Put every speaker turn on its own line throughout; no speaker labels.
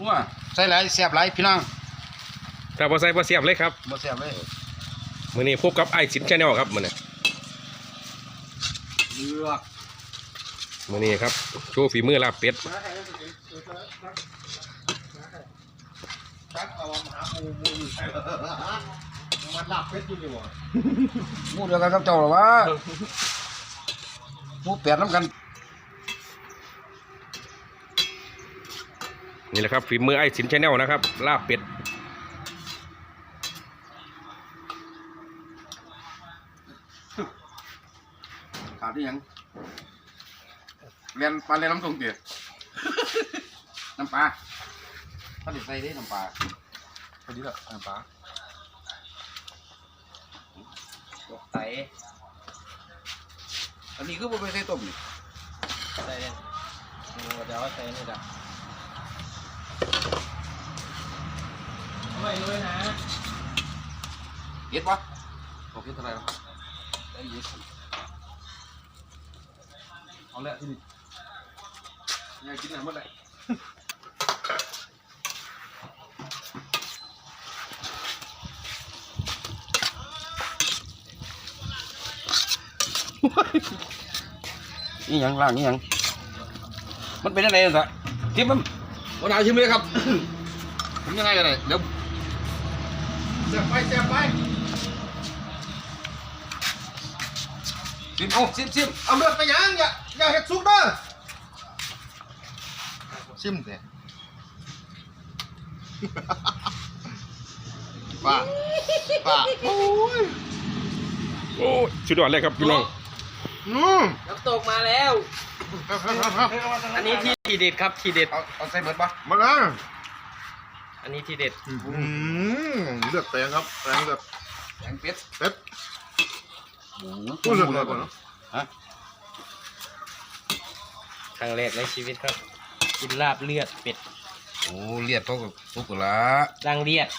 วใส่หลายแซ่บหลายพี่น้อง
แต่พอใส่พอเสียบเลยครับ
บ่แซ่บเลย
มื้อนี้พบกับไอ้สินแชนแนลครับมื้อนี้
เลือก
มื้อนี้ครับโชว์ฝีมือลาบเป็ด
มันลาบเป็ดอยู่นี่บ่มูเดียวกันกับเจ้าหรอวะมูเป็ดน้ำกัน
นี่แหละครับฝีมือไอ้สินแชนแนลนะครับลาบเป็ด
ขาดที่ยังเรียนปลาเรียนน้ำตรงเตี๋ยน้ำปลาถ้าเด็ดใส่ได้น้ำปลาพอดีละน้ำปลาใส่อันนี้ก็ไม่ใส่ต้มนี่ใส่เนี่ยเราจะว่าใส่นี่จ้ะไม่เลยนะเย็ดปะโอเคเท่าไหร่แล้วได้เย็ดเอาละที่นี่อยากกินอะไรเมื่อไหร่นี่ยังล่างนี่ยังมันเป็นอะไรสักทิมมันวันไหนชิมเลยครับผมยังไงกันเลยเดี๋ยวเสียบไปชิมเอาชิมเอาเลือดไปยังอย่าเห็ดซุกเด้อชิมเถอะป้าโอ้ย
สุดยอดเลยครับพี่น้อง
น้ำตกมาแล้วอันนี้ที่เด็ดครับที่เด็ด
เอาใส่เบิดปะ
มาแล้ว
อันนี้ที่เด็ด
เลือดแปลงครับแปลงเลือด
แกงเป็ด
พูดเลือดก่อนเนาะ
ฮะ
ครั้งแรกในชีวิตครับกินลาบเลือดเป็ด
โอ้เลียดเขากับทุกข์ละ
ดังเลียด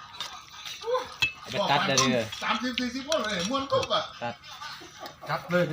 ไปตัดได้เลย
30-40 คนเลยม้วนกุ๊บอ่ะ
จัดเลย